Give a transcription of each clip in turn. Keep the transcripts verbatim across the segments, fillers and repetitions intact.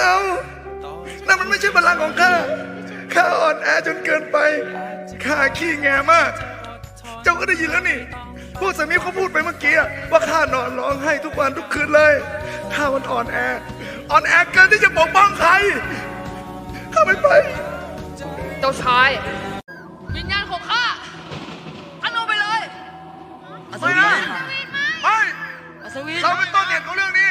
เอานั่นมันไม่ใช่พลังของข้าข้าอ่อนแอจนเกินไปข้าขี้แงมากเจ้าก็ได้ยินแล้วนี่พวกสามีเขาพูดไปเมื่อกี้ว่าข้านอนร้องไห้ทุกวันทุกคืนเลยข้ามันอ่อนแออ่อนแอเกินที่จะปกป้องใครข้าไม่ไปเจ้าชายวิญญาณของข้าท่านเอาไปเลยไม่นะไม่อัศวินเราเป็นต้นเหตุของเรื่องนี้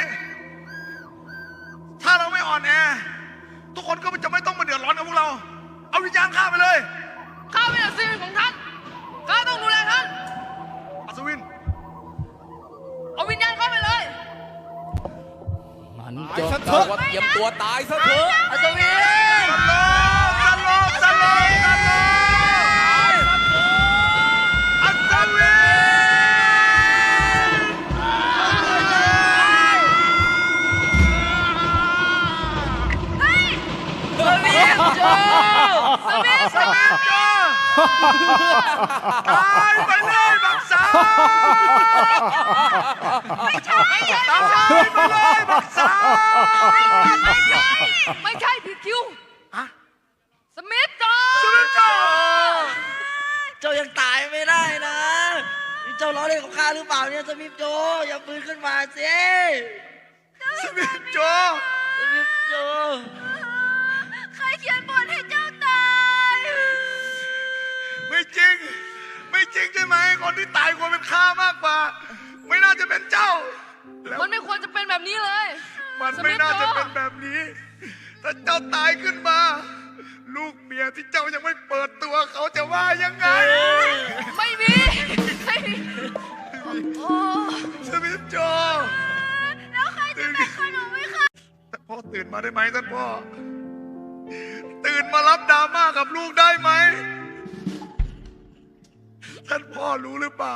ถ้าเราไม่อ่อนแอทุกคนก็จะไม่ต้องมาเดือดร้อนกับพวกเราเอาวิญญาณข้าไปเลยข้าเป็นอัศวินของท่านข้าต้องดูแลท่านอัศวินเอาวิญญาณเข้าไปเลยมันจะบอกว่าเตรียมตัวตายซะเถอะอัศวินสโลสโลสโลสโลอัศวินสวินโจสวินสวินโจตายไปเลยบักสาวไม่ใช่ไม่ใช่ตายไปเลยบักสาวไม่ใช่ไม่ใช่ผิดคิวอะสมิธโจสวินโจเจ้ายังตายไม่ได้นะเจ้าล้อเล่นกับข้าหรือเปล่าเนี่ยสมิธโจอย่าปืนขึ้นมาสิสวินโจสมิธโจใครเขียนบทให้เจ้าตายไม่จริงไม่จริงใช่ไหมคนที่ตายควรเป็นข้ามากกว่าไม่น่าจะเป็นเจ้ามันไม่ควรจะเป็นแบบนี้เลยมันไม่น่าจะเป็นแบบนี้ถ้าเจ้าตายขึ้นมาลูกเมียที่เจ้ายังไม่เปิดตัวเขาจะว่ายังไงไม่มีไม่มีโอ้สมิธโจแล้วใครจะเป็นขนมไหมคะแต่พ่อตื่นมาได้ไหมท่านพ่อตื่นมารับดราม่ากับลูกได้ไหมท่านพ่อรู้หรือเปล่า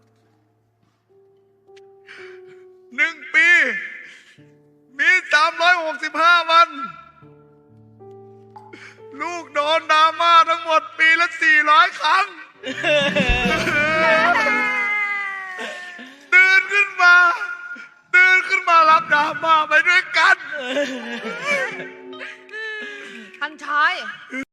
หนึ่งปีมีสามร้อยหกสิบห้าวันลูกโดนดราม่าทั้งหมดปีละสี่ร้อยครั้งตื่นขึ้นมาตื่นขึ้นมารับดราม่าไปด้วยกัน